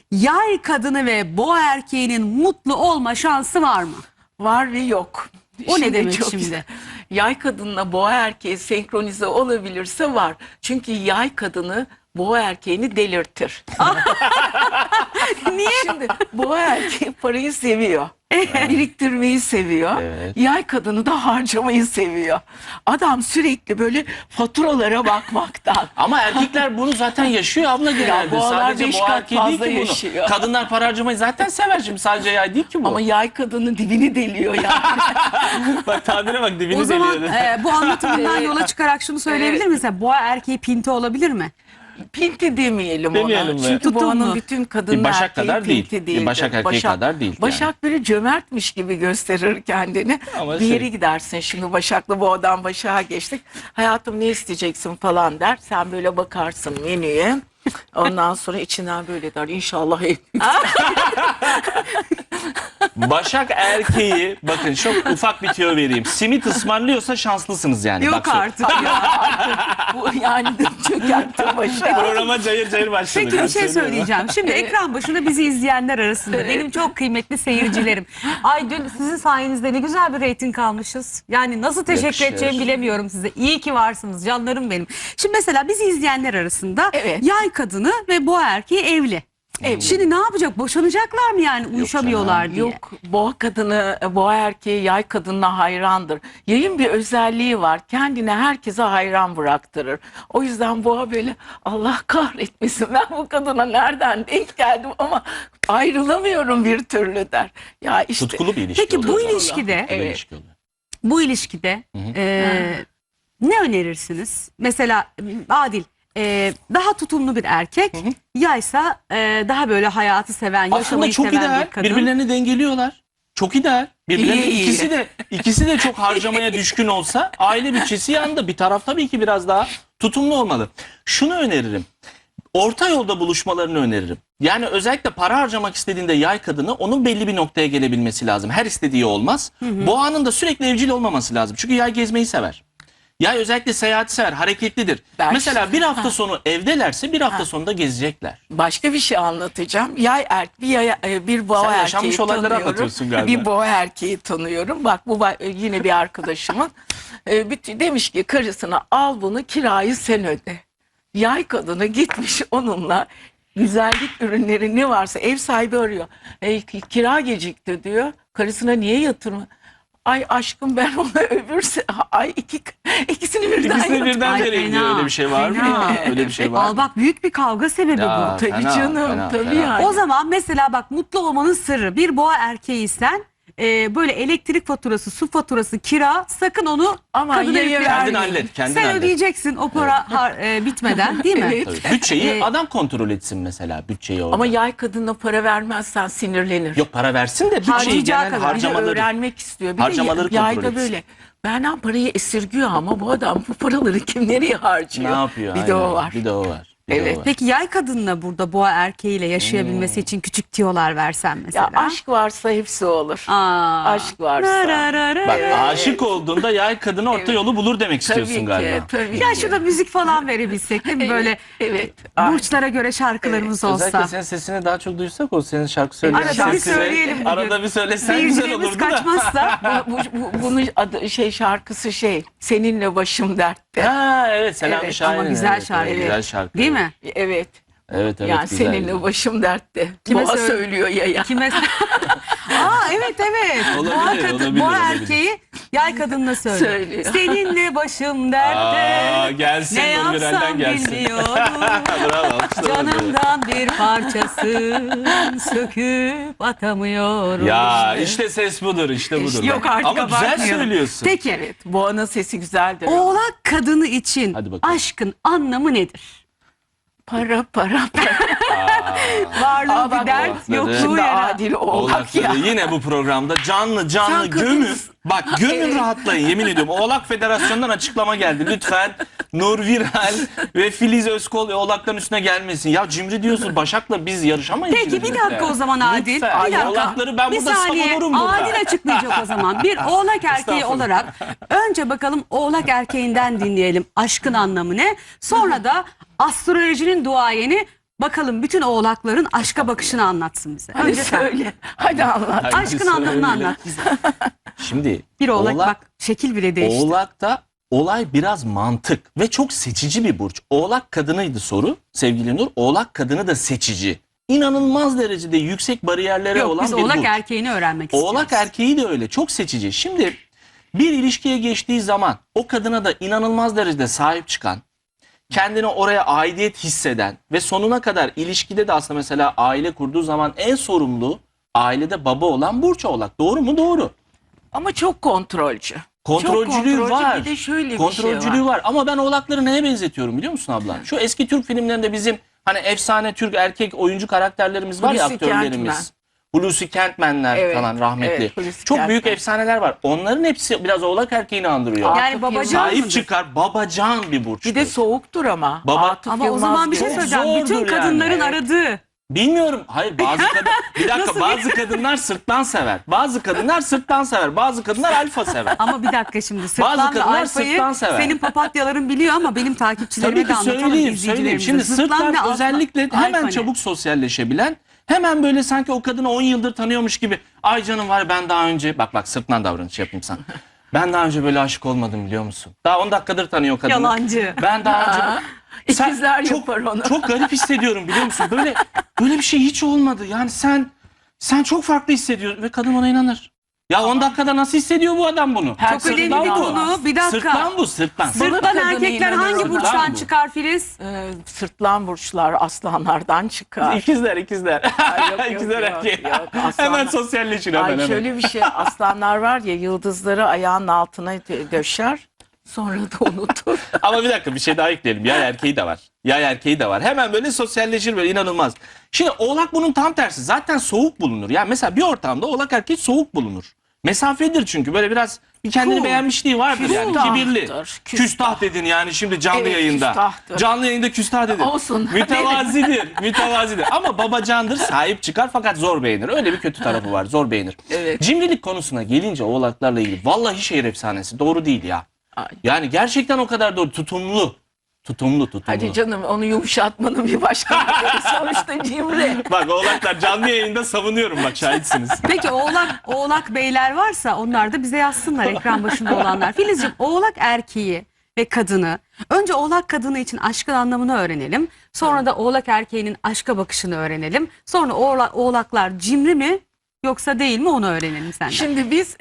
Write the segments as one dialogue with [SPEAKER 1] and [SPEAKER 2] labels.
[SPEAKER 1] Yay kadını ve boğa erkeğinin mutlu olma şansı var mı?
[SPEAKER 2] Var ve yok.
[SPEAKER 1] O ne demek
[SPEAKER 2] çok
[SPEAKER 1] şimdi?
[SPEAKER 2] güzel. Yay kadınla boğa erkeği senkronize olabilirse var. Çünkü yay kadını boğa erkeğini delirtir.
[SPEAKER 1] Niye?
[SPEAKER 2] Şimdi boğa erkeği parayı seviyor. Biriktirmeyi seviyor.
[SPEAKER 3] Evet.
[SPEAKER 2] Yay kadını da harcamayı seviyor. Adam sürekli böyle faturalara bakmaktan.
[SPEAKER 3] Ama erkekler bunu zaten yaşıyor abla genelde.
[SPEAKER 2] boğalar
[SPEAKER 3] Sadece
[SPEAKER 2] 5
[SPEAKER 3] boğa
[SPEAKER 2] kat
[SPEAKER 3] erkeği değil
[SPEAKER 2] fazla
[SPEAKER 3] ki bunu.
[SPEAKER 2] yaşıyor.
[SPEAKER 3] Kadınlar para harcamayı zaten sever, şimdi sadece yay değil ki bu.
[SPEAKER 2] Ama yay kadının dibini deliyor yani.
[SPEAKER 3] bak tabire bak, dibini
[SPEAKER 1] O zaman
[SPEAKER 3] deliyor.
[SPEAKER 1] bu anlatımından yola çıkarak şunu söyleyebilir
[SPEAKER 2] Evet.
[SPEAKER 1] misin? Boğa erkeği pinti olabilir mi?
[SPEAKER 2] Pinti demeyelim
[SPEAKER 3] Demeyelim
[SPEAKER 2] ona.
[SPEAKER 3] mi?
[SPEAKER 2] Çünkü
[SPEAKER 1] Tutun
[SPEAKER 2] boğanın
[SPEAKER 1] mu?
[SPEAKER 2] bütün kadın
[SPEAKER 3] Başak
[SPEAKER 2] erkeği
[SPEAKER 3] kadar değil.
[SPEAKER 2] pinti değildir.
[SPEAKER 3] Başak erkeği kadar değil yani.
[SPEAKER 2] Başak böyle cömertmiş gibi gösterir kendini.
[SPEAKER 3] Ama
[SPEAKER 2] bir yere
[SPEAKER 3] şey-
[SPEAKER 2] gidersin, şimdi Başak'la boğadan Başak'a geçtik. Hayatım ne isteyeceksin falan der. Sen böyle bakarsın menüye. Ondan sonra içinden böyle der. İnşallah ev.
[SPEAKER 3] Başak erkeği, bakın çok ufak bir tüyo vereyim. Simit ısmarlıyorsa şanslısınız yani.
[SPEAKER 1] Yok
[SPEAKER 3] Bak şu-
[SPEAKER 1] artık ya.
[SPEAKER 2] Bu yani çökertti Başak.
[SPEAKER 3] Programa cayır cayır başladık.
[SPEAKER 1] Peki
[SPEAKER 3] Ben
[SPEAKER 1] bir şey
[SPEAKER 3] söylüyorum.
[SPEAKER 1] söyleyeceğim. Şimdi ekran başında bizi izleyenler arasında benim çok kıymetli seyircilerim. Ay dün sizin sayenizde ne güzel bir reyting almışız. Yani nasıl teşekkür
[SPEAKER 3] Yakışır.
[SPEAKER 1] edeceğimi bilemiyorum size. İyi ki varsınız canlarım benim. Şimdi mesela bizi izleyenler arasında
[SPEAKER 2] Evet.
[SPEAKER 1] yay kadını ve boğa erkeği evli. Şimdi ne yapacak? Boşanacaklar mı yani uyuşamıyorlar diye?
[SPEAKER 2] Yok, boğa kadını, boğa erkeği yay kadınına hayrandır. Yayın bir özelliği var. Kendine herkese hayran bıraktırır. O yüzden boğa böyle Allah kahretmesin ben bu kadına nereden denk geldim ama ayrılamıyorum bir türlü der. Ya işte
[SPEAKER 3] Tutkulu bir ilişki
[SPEAKER 1] Peki bu
[SPEAKER 3] oluyor.
[SPEAKER 1] ilişkide,
[SPEAKER 3] Tutkulu
[SPEAKER 2] Evet.
[SPEAKER 3] ilişki oluyor.
[SPEAKER 1] bu ilişkide ne önerirsiniz? Mesela Adil daha tutumlu bir erkek, yaysa daha böyle hayatı seven,
[SPEAKER 3] Aslında
[SPEAKER 1] yaşamayı
[SPEAKER 3] çok
[SPEAKER 1] seven
[SPEAKER 3] ideal.
[SPEAKER 1] bir kadın.
[SPEAKER 3] Birbirlerini dengeliyorlar. Çok ideal. Birbirlerini
[SPEAKER 2] İyi.
[SPEAKER 3] ikisi de çok harcamaya düşkün olsa aile bütçesi yanında. Bir taraf tabii ki biraz daha tutumlu olmalı. Şunu öneririm. Orta yolda buluşmalarını öneririm. Yani özellikle para harcamak istediğinde yay kadını onun belli bir noktaya gelebilmesi lazım. Her istediği olmaz. Boğanın da sürekli evcil olmaması lazım. Çünkü yay gezmeyi sever. Yay özellikle seyahati sever, hareketlidir.
[SPEAKER 2] Ben-
[SPEAKER 3] Mesela bir hafta sonu evdelerse bir hafta sonunda gezecekler.
[SPEAKER 2] başka bir şey anlatacağım. Bir boğa
[SPEAKER 3] Sen
[SPEAKER 2] erkeği
[SPEAKER 3] yaşanmış olayları
[SPEAKER 2] tanıyorum.
[SPEAKER 3] anlatıyorsun galiba.
[SPEAKER 2] Bir boğa erkeği tanıyorum. Bak bu yine bir arkadaşımın. Demiş ki karısına al bunu kirayı sen öde. Yay kadını gitmiş onunla güzellik ürünleri ne varsa ev sahibi arıyor. Kira gecikti diyor. Karısına niye yatırma? Ay aşkım ben ona ikisini birden
[SPEAKER 3] İkisini birden
[SPEAKER 1] Ay,
[SPEAKER 3] vereyim diyor.
[SPEAKER 1] fena,
[SPEAKER 3] Öyle bir şey var mı?
[SPEAKER 1] fena.
[SPEAKER 3] Öyle bir şey var
[SPEAKER 1] Al
[SPEAKER 3] mı?
[SPEAKER 1] bak büyük bir kavga sebebi
[SPEAKER 3] Ya,
[SPEAKER 1] bu.
[SPEAKER 2] Tabii
[SPEAKER 3] fena,
[SPEAKER 2] canım,
[SPEAKER 3] fena,
[SPEAKER 2] tabii
[SPEAKER 3] fena.
[SPEAKER 2] yani.
[SPEAKER 1] O zaman mesela bak mutlu olmanın sırrı bir boğa erkeğiysen böyle elektrik faturası, su faturası, kira sakın onu
[SPEAKER 2] Ama
[SPEAKER 1] kadına
[SPEAKER 2] yaya
[SPEAKER 1] yüklemeyin.
[SPEAKER 3] Kendin hallet, kendin
[SPEAKER 1] Sen
[SPEAKER 3] hallet.
[SPEAKER 1] ödeyeceksin o para bitmeden değil mi?
[SPEAKER 2] Evet.
[SPEAKER 3] Tabii. Bütçeyi adam kontrol etsin mesela, bütçeyi orada.
[SPEAKER 2] Ama yay kadına para vermezsen sinirlenir.
[SPEAKER 3] Yok, para versin de bütçeyi
[SPEAKER 1] Harcayacağı
[SPEAKER 3] genel
[SPEAKER 1] kadar.
[SPEAKER 2] Bir de
[SPEAKER 3] harcamaları.
[SPEAKER 2] öğrenmek istiyor. Bir de
[SPEAKER 3] harcamaları kontrol
[SPEAKER 2] yayda
[SPEAKER 3] etsin.
[SPEAKER 2] böyle. Benden parayı esirgiyor ama bu adam bu paraları kim nereye harcıyor?
[SPEAKER 3] Ne yapıyor?
[SPEAKER 2] Bir de o
[SPEAKER 3] Aynen.
[SPEAKER 2] var.
[SPEAKER 3] Bir de o var. Bir de
[SPEAKER 2] Evet.
[SPEAKER 3] o var.
[SPEAKER 1] Peki yay kadınla burada boğa erkeğiyle yaşayabilmesi için küçük tiyolar versen mesela.
[SPEAKER 2] Ya aşk varsa hepsi olur.
[SPEAKER 1] Aa.
[SPEAKER 2] Aşk varsa.
[SPEAKER 3] Bak
[SPEAKER 2] Evet.
[SPEAKER 3] aşık olduğunda yay kadını orta yolu bulur demek istiyorsun
[SPEAKER 2] Tabii
[SPEAKER 3] galiba.
[SPEAKER 2] ki, tabii
[SPEAKER 1] Ya
[SPEAKER 2] ki.
[SPEAKER 1] şurada müzik falan verebilsek değil mi? Böyle
[SPEAKER 2] Evet.
[SPEAKER 1] burçlara göre şarkılarımız
[SPEAKER 3] Özellikle
[SPEAKER 1] olsa.
[SPEAKER 3] senin sesini daha çok duysak, o senin şarkı söyleyen
[SPEAKER 1] Arada bir
[SPEAKER 3] sesini
[SPEAKER 1] söyleyelim bugün.
[SPEAKER 3] Arada bir söylesen güzel
[SPEAKER 1] Seyircilerimiz
[SPEAKER 3] olurdu da.
[SPEAKER 1] kaçmazsa.
[SPEAKER 2] Bunun adı şarkısı seninle başım dertte.
[SPEAKER 3] Ha evet, Selami
[SPEAKER 2] Evet,
[SPEAKER 3] Şahin'in.
[SPEAKER 1] ama güzel
[SPEAKER 3] evet,
[SPEAKER 1] şarkı.
[SPEAKER 3] evet, güzel şarkı.
[SPEAKER 1] Değil mi?
[SPEAKER 2] Evet.
[SPEAKER 3] Evet evet,
[SPEAKER 2] Yani
[SPEAKER 3] güzel.
[SPEAKER 2] seninle başım dertte.
[SPEAKER 1] Kime
[SPEAKER 2] Boğa
[SPEAKER 1] söyle-
[SPEAKER 2] söylüyor ya.
[SPEAKER 1] Kime? Evet.
[SPEAKER 3] Olabilir,
[SPEAKER 1] Boğa, kadın,
[SPEAKER 3] olabilir,
[SPEAKER 1] boğa
[SPEAKER 3] olabilir.
[SPEAKER 1] erkeği yay kadınla söylüyor.
[SPEAKER 2] Söylüyor.
[SPEAKER 1] Seninle başım dertte.
[SPEAKER 3] Aa, gelsin,
[SPEAKER 1] Ne
[SPEAKER 3] Nurgül'den
[SPEAKER 1] yapsam
[SPEAKER 3] gelsin.
[SPEAKER 1] bilmiyorum.
[SPEAKER 3] Bravo, alkışlar.
[SPEAKER 1] Canımdan bir parçasın söküp atamıyorum.
[SPEAKER 3] Ya işte ses budur, işte budur.
[SPEAKER 1] Yok artık
[SPEAKER 3] Ama güzel
[SPEAKER 1] abartmıyorum.
[SPEAKER 3] söylüyorsun.
[SPEAKER 1] Peki
[SPEAKER 2] Evet. Boğanın sesi güzeldir.
[SPEAKER 1] oğlak kadını için
[SPEAKER 3] Hadi bakalım.
[SPEAKER 1] aşkın anlamı nedir?
[SPEAKER 2] Para.
[SPEAKER 1] Varlığı
[SPEAKER 2] Aa, bak,
[SPEAKER 1] bir dert,
[SPEAKER 3] oğlakları.
[SPEAKER 1] yokluğu
[SPEAKER 2] Şimdi
[SPEAKER 1] yara.
[SPEAKER 2] adil oğlak ya.
[SPEAKER 3] Oğlakları yine bu programda canlı
[SPEAKER 2] Sen
[SPEAKER 3] gömün.
[SPEAKER 2] kadınsın.
[SPEAKER 3] Bak gömün, rahatlayın, yemin ediyorum. Oğlak Federasyonu'ndan açıklama geldi. Lütfen Nur Viral ve Filiz Özkol oğlakların üstüne gelmesin. Ya cimri diyorsun, Başak'la biz yarışamayız.
[SPEAKER 1] Peki bir
[SPEAKER 3] cimrilikle.
[SPEAKER 1] dakika o zaman Adil.
[SPEAKER 3] Lütfen.
[SPEAKER 1] Bir dakika.
[SPEAKER 3] Oğlakları ben
[SPEAKER 1] Bir
[SPEAKER 3] burada
[SPEAKER 1] saniye.
[SPEAKER 3] savunurum burada.
[SPEAKER 1] Adil açıklayacak o zaman. Bir oğlak erkeği
[SPEAKER 3] Estağfurullah.
[SPEAKER 1] olarak önce bakalım oğlak erkeğinden dinleyelim aşkın anlamı ne? Sonra da astrolojinin duayeni bakalım bütün oğlakların aşka bakışını anlatsın bize.
[SPEAKER 2] Hadi
[SPEAKER 1] Önce sen.
[SPEAKER 2] söyle. Hadi anlat.
[SPEAKER 3] Hadi
[SPEAKER 1] Aşkın
[SPEAKER 3] söyle.
[SPEAKER 1] anlamını anlat bize.
[SPEAKER 3] Şimdi
[SPEAKER 1] Bir oğlak, bak şekil bile değişti.
[SPEAKER 3] Oğlak'ta olay biraz mantık ve çok seçici bir burç. Oğlak kadınıydı soru sevgili Nur. Oğlak kadını da seçici. İnanılmaz derecede yüksek bariyerlere
[SPEAKER 1] Yok,
[SPEAKER 3] olan
[SPEAKER 1] biz
[SPEAKER 3] bir
[SPEAKER 1] oğlak
[SPEAKER 3] burç.
[SPEAKER 1] erkeğini öğrenmek
[SPEAKER 3] Oğlak
[SPEAKER 1] istiyoruz.
[SPEAKER 3] erkeği de öyle. Çok seçici. Şimdi bir ilişkiye geçtiği zaman o kadına da inanılmaz derecede sahip çıkan, kendini oraya aidiyet hisseden ve sonuna kadar ilişkide de aslında mesela aile kurduğu zaman en sorumlu ailede baba olan burç oğlak. Doğru mu? Doğru.
[SPEAKER 2] Ama çok kontrolcü.
[SPEAKER 3] Kontrolcülüğü
[SPEAKER 2] çok kontrolcü.
[SPEAKER 3] var.
[SPEAKER 2] Bir de şöyle bir
[SPEAKER 3] Kontrolcülüğü
[SPEAKER 2] şey var.
[SPEAKER 3] var. Ama ben oğlakları neye benzetiyorum biliyor musun abla? Şu eski Türk filmlerinde bizim hani efsane Türk erkek oyuncu karakterlerimiz var ya,
[SPEAKER 2] Hulusi
[SPEAKER 3] aktörlerimiz.
[SPEAKER 2] Kentmen.
[SPEAKER 3] Hulusi Kentmenler
[SPEAKER 2] Evet,
[SPEAKER 3] falan rahmetli.
[SPEAKER 2] evet, Hulusi
[SPEAKER 3] Çok büyük
[SPEAKER 2] Kentmen.
[SPEAKER 3] efsaneler var. Onların hepsi biraz oğlak erkeğini andırıyor.
[SPEAKER 2] Aa,
[SPEAKER 1] Yani
[SPEAKER 2] Atıf
[SPEAKER 1] babacan
[SPEAKER 2] Yılmaz.
[SPEAKER 3] Sahip
[SPEAKER 1] mıdır?
[SPEAKER 3] çıkar, babacan bir burçtur.
[SPEAKER 2] Bir de soğuktur ama.
[SPEAKER 3] Baba-
[SPEAKER 2] Atıf
[SPEAKER 1] Ama o
[SPEAKER 2] Yılmaz
[SPEAKER 1] zaman bir şey
[SPEAKER 2] gibi.
[SPEAKER 1] söyleyeceğim. Bütün
[SPEAKER 3] zordur yani.
[SPEAKER 1] kadınların
[SPEAKER 2] Evet.
[SPEAKER 1] aradığı.
[SPEAKER 3] Bilmiyorum. Hayır, bazı kadın bir dakika,
[SPEAKER 1] Nasıl
[SPEAKER 3] bazı kadınlar sırttan sever. Bazı kadınlar sırttan sever. Bazı kadınlar alfa sever.
[SPEAKER 1] Ama bir dakika şimdi sırtlanla
[SPEAKER 3] kadınlar
[SPEAKER 1] alfayı
[SPEAKER 3] sırtlan sever.
[SPEAKER 1] senin papatyaların biliyor ama benim takipçilerime
[SPEAKER 3] Tabii
[SPEAKER 1] de
[SPEAKER 3] ki
[SPEAKER 1] anlatalım,
[SPEAKER 3] söyleyeyim.
[SPEAKER 1] izleyicilerimize.
[SPEAKER 3] Şimdi
[SPEAKER 1] Zıtlan ve
[SPEAKER 3] sırtlan
[SPEAKER 1] alfa-
[SPEAKER 3] özellikle
[SPEAKER 1] alfa
[SPEAKER 3] hemen
[SPEAKER 1] ne?
[SPEAKER 3] çabuk sosyalleşebilen, hemen böyle sanki o kadını 10 yıldır tanıyormuş gibi. Ay canım var, ben daha önce bak sırtlan davranış yapayım sana. Ben daha önce böyle aşık olmadım biliyor musun? Daha 10 dakikadır tanıyor kadını.
[SPEAKER 1] Yalancı.
[SPEAKER 3] Ben daha önce
[SPEAKER 2] İkizler
[SPEAKER 3] çok,
[SPEAKER 2] yapar onu.
[SPEAKER 3] çok garip hissediyorum biliyor musun? Böyle bir şey hiç olmadı. Yani sen çok farklı hissediyorsun ve kadın ona inanır. Ya 10 dakikada nasıl hissediyor bu adam bunu?
[SPEAKER 2] Çok
[SPEAKER 1] Çok önemli
[SPEAKER 3] Sırtlan
[SPEAKER 1] bir
[SPEAKER 3] bu.
[SPEAKER 1] konu. Bir dakika.
[SPEAKER 3] Sırtlan bu, sırtlan.
[SPEAKER 1] Sırtlan
[SPEAKER 2] kadını
[SPEAKER 1] erkekler hangi
[SPEAKER 2] inanıyorum.
[SPEAKER 1] burçtan
[SPEAKER 3] Sırtlan bu.
[SPEAKER 1] çıkar Filiz?
[SPEAKER 2] Sırtlan burçlar aslanlardan çıkar.
[SPEAKER 3] İkizler.
[SPEAKER 2] Ay, yok,
[SPEAKER 3] İkizler
[SPEAKER 2] yok,
[SPEAKER 3] erkeği.
[SPEAKER 2] yok, aslanlar.
[SPEAKER 3] Hemen sosyalleşin hemen.
[SPEAKER 2] Ay
[SPEAKER 3] hemen.
[SPEAKER 2] şöyle bir şey, aslanlar var ya, yıldızları ayağının altına döşer, sonra da unutur.
[SPEAKER 3] Ama bir dakika, bir şey daha ekleyelim. Yay erkeği de var. Yay erkeği de var. Hemen böyle sosyalleşir, böyle inanılmaz. Şimdi oğlak bunun tam tersi. Zaten soğuk bulunur. Yani mesela bir ortamda oğlak erkeği soğuk bulunur. Mesafedir çünkü, böyle biraz bir kendini
[SPEAKER 2] Cool.
[SPEAKER 3] beğenmişliği vardır yani.
[SPEAKER 2] Küstahtır,
[SPEAKER 3] Kibirli.
[SPEAKER 2] küstah.
[SPEAKER 3] Küstah dedin yani şimdi canlı
[SPEAKER 2] Evet,
[SPEAKER 3] yayında.
[SPEAKER 2] küstahtır.
[SPEAKER 3] Canlı yayında küstah dedin.
[SPEAKER 2] Olsun.
[SPEAKER 3] Mütevazidir. Mütevazidir. Ama babacandır, sahip çıkar fakat zor beğenir. Öyle bir kötü tarafı var. Zor beğenir.
[SPEAKER 2] Evet.
[SPEAKER 3] Cimrilik konusuna gelince oğlaklarla ilgili vallahi şehir efsanesi. Doğru değil ya.
[SPEAKER 2] Ay.
[SPEAKER 3] Yani gerçekten o kadar doğru. Tutumlu. Tutumlu.
[SPEAKER 2] Hadi canım, onu yumuşatmanın bir başka yolu. Sonuçta cimri.
[SPEAKER 3] Bak oğlaklar canlı yayında savunuyorum, bak şahitsiniz.
[SPEAKER 1] Peki oğlak beyler varsa onlar da bize yazsınlar, ekran başında olanlar. Filizciğim, oğlak erkeği ve kadını, önce oğlak kadını için aşkın anlamını öğrenelim. Sonra da oğlak erkeğinin aşka bakışını öğrenelim. Sonra oğlaklar cimri mi yoksa değil mi onu öğrenelim senden.
[SPEAKER 2] Şimdi biz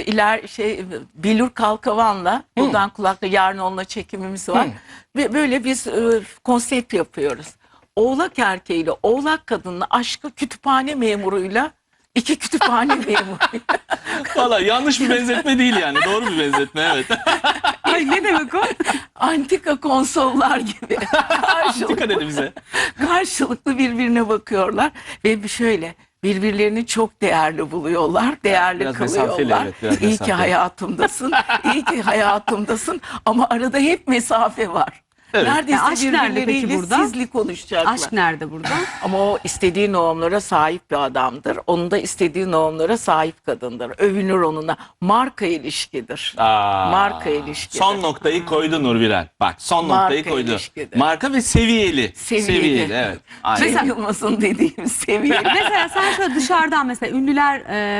[SPEAKER 2] Bilur Kalkavan'la buradan kulakla, yarın onunla çekimimiz var. Ve böyle biz konsept yapıyoruz. Oğlak erkeğiyle oğlak kadınla aşkı kütüphane memuruyla, iki kütüphane memuruyla.
[SPEAKER 3] Valla yanlış bir benzetme değil yani. Doğru bir benzetme, evet.
[SPEAKER 1] Ay, ne demek o?
[SPEAKER 2] Antika konsollar gibi.
[SPEAKER 3] Dikkat edin bize.
[SPEAKER 2] Karşılıklı birbirine bakıyorlar ve şöyle birbirlerini çok değerli buluyorlar, değerli
[SPEAKER 3] Biraz mesafeli,
[SPEAKER 2] kılıyorlar.
[SPEAKER 3] evet, biraz
[SPEAKER 2] İyi ki
[SPEAKER 3] mesafeli.
[SPEAKER 2] hayatımdasın, iyi ki hayatımdasın, ama arada hep mesafe var.
[SPEAKER 3] Evet.
[SPEAKER 2] Neredeyse
[SPEAKER 1] aşk nerede peki
[SPEAKER 2] birbirleriyle
[SPEAKER 1] burada?
[SPEAKER 2] sizli konuşacaklar.
[SPEAKER 1] Aşk nerede burada?
[SPEAKER 2] Ama o istediği normlara sahip bir adamdır. Onun da istediği normlara sahip kadındır. Övünür onunla. Marka ilişkidir. Marka ilişkidir.
[SPEAKER 3] Son noktayı koydu Nurbiren. Bak son
[SPEAKER 2] Marka
[SPEAKER 3] noktayı koydu.
[SPEAKER 2] ilişkidir.
[SPEAKER 3] Marka ve seviyeli.
[SPEAKER 2] Seviyeli.
[SPEAKER 3] Evet. Aynen.
[SPEAKER 2] Cem Yılmaz'ın dediğim seviye.
[SPEAKER 1] Mesela sen şöyle dışarıdan mesela ünlüler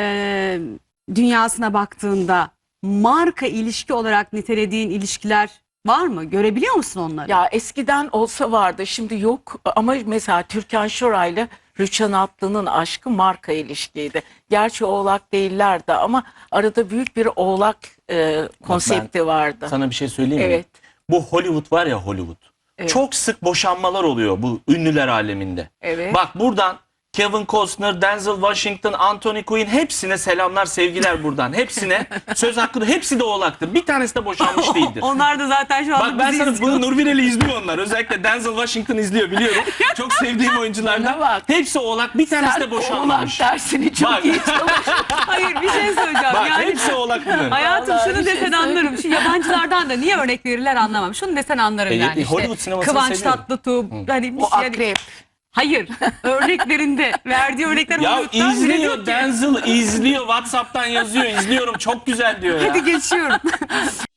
[SPEAKER 1] dünyasına baktığında marka ilişki olarak nitelediğin ilişkiler var mı? Görebiliyor musun onları?
[SPEAKER 2] Ya eskiden olsa vardı, şimdi yok. Ama mesela Türkan Şoray'la Rüçhan Atlı'nın aşkı marka ilişkiydi. Gerçi oğlak değillerdi ama arada büyük bir oğlak konsepti vardı.
[SPEAKER 3] Sana bir şey söyleyeyim mi?
[SPEAKER 2] Evet.
[SPEAKER 3] Bu Hollywood var ya, Hollywood.
[SPEAKER 2] Evet.
[SPEAKER 3] Çok sık boşanmalar oluyor bu ünlüler aleminde.
[SPEAKER 2] Evet.
[SPEAKER 3] Bak buradan Kevin Costner, Denzel Washington, Anthony Quinn, hepsine selamlar, sevgiler buradan. Hepsine söz hakkı, hepsi de oğlaktır. Bir tanesi de boşanmış değildir.
[SPEAKER 1] Onlar da zaten şu anda
[SPEAKER 3] Bak ben
[SPEAKER 1] bizi
[SPEAKER 3] sana
[SPEAKER 1] izliyor.
[SPEAKER 3] bunu, Nurbiren'i izliyor onlar. Özellikle Denzel Washington izliyor, biliyorum. Çok sevdiğim oyunculardan.
[SPEAKER 2] Bana bak.
[SPEAKER 3] Hepsi oğlak, bir tanesi
[SPEAKER 2] Sen
[SPEAKER 3] de boşanmamış.
[SPEAKER 2] oğlak dersini çok
[SPEAKER 3] Bak.
[SPEAKER 2] iyi çalış.
[SPEAKER 1] Hayır, bir şey söyleyeceğim.
[SPEAKER 3] Bak
[SPEAKER 1] Yani
[SPEAKER 3] hepsi oğlak bunların.
[SPEAKER 1] hayatım
[SPEAKER 2] Vallahi
[SPEAKER 1] şunu
[SPEAKER 2] bir şey
[SPEAKER 1] desen anlarım. Şu yabancılardan da niye örnek verirler anlamam. Şunu desen anlarım yani. İşte
[SPEAKER 3] Hollywood sinemasını
[SPEAKER 1] Kıvanç
[SPEAKER 3] seviyorum.
[SPEAKER 1] Tatlıtuğ. Hani
[SPEAKER 2] O
[SPEAKER 1] yani,
[SPEAKER 2] akrep.
[SPEAKER 1] hayır. Örneklerinde verdiği örnekler
[SPEAKER 3] Ya
[SPEAKER 1] Hollywood'dan bile
[SPEAKER 3] izliyor
[SPEAKER 1] diyor ki,
[SPEAKER 3] Denzel, izliyor, WhatsApp'tan yazıyor, izliyorum, çok güzel diyor ya.
[SPEAKER 1] hadi geçiyorum.